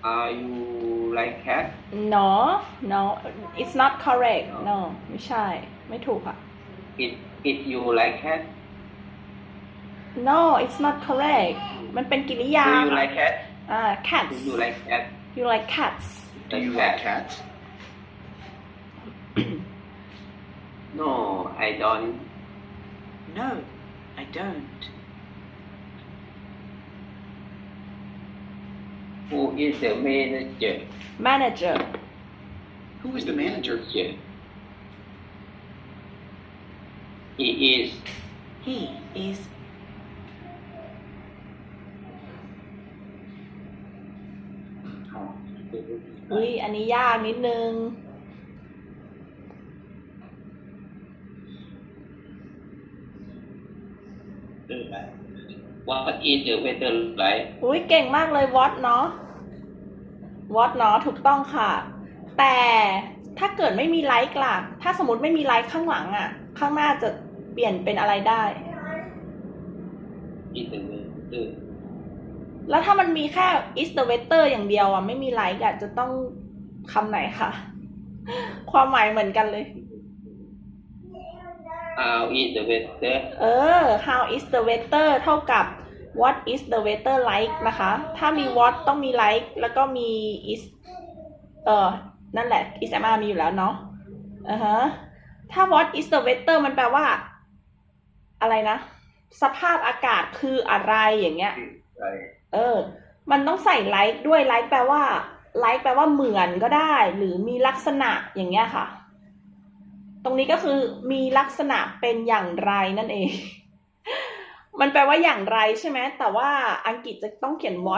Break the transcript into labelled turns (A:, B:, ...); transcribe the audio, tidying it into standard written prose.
A: Are you like cat?
B: no no it's not correct no ไม่ใช่ไม่ถูกค่ะ
A: It you like cat?
B: no it's not correct มันเป็นกริยา
A: Do you like cat?
B: cats
A: Do you like cat?
B: you like cats
C: Do you like cats?
A: No, I don't.
C: No, I don't.
A: Who is the manager?
B: manager
C: Who is the manager?
A: He is.
C: He is.
B: อุ้ยอันนี้ยากนิดนึง
A: What is the weather like?
B: อุ้ยเก่งมากเลย what เนาะ what เนาะถูกต้องค่ะ แต่ถ้าเกิดไม่มีไลค์ล่ะ ถ้าสมมติไม่มีไลค์ข้างหลังอ่ะ ข้างหน้าจะเปลี่ยนเป็นอะไรได้
A: Is the weather.
B: แล้วถ้ามันมีแค่ is the weather อย่างเดียวอ่ะไม่มีไลค์อ่ะจะต้องคำไหนคะ ความหมายเหมือนกันเลย
A: How is the weather?
B: how is the weather เท่ากับ what is the weather like นะคะ ถ้ามี what ต้องมี like แล้วก็มี is นั่นแหละ is am are มีอยู่แล้วเนาะถ้า what is the weather มันแปลว่า อะไรนะ สภาพอากาศคืออะไรอย่างเงี้ย มันต้องใส่ like ด้วย like แปลว่า like แปลว่าเหมือนก็ได้ หรือมีลักษณะอย่างเงี้ยค่ะ ตรงนี้ก็คือมีลักษณะเป็นอย่างไรนั่นเอง มันแปลว่าอย่างไรใช่ไหม แต่ว่าอังกฤษจะต้องเขียน what